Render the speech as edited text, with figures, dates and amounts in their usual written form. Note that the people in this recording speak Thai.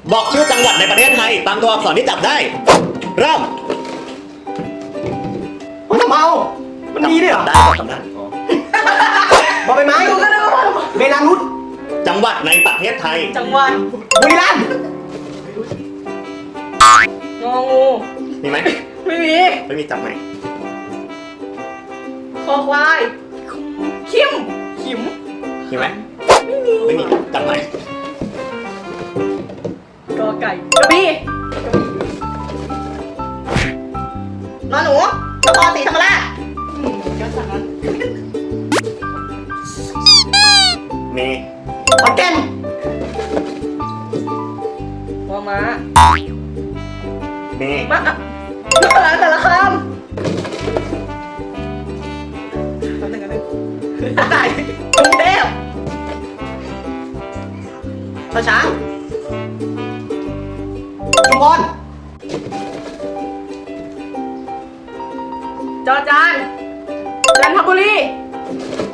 บอกชื่อจังหวัดในประเทศไทยตามตัวอักษรที่จับได้เริ่มเมามันมีด้วยเหรอได้จำได้บอใบไม้เบลารุสจังหวัดในประเทศไทยจังหวัดบุรีรัมย์งองูมีไหมไม่มีไม่มีจับไหมคอควายขิมมีไหมไม่มีจับไหมกอไก่กระบี่นอนหนูนครศรีธรรมราชก็สั่งนั้นมีขอนแก่นม้ามีม้าอ่ะแต่ละคำแป๊บนึงกรุงเทพชอช้างชุมพรจอจานจันทบุรี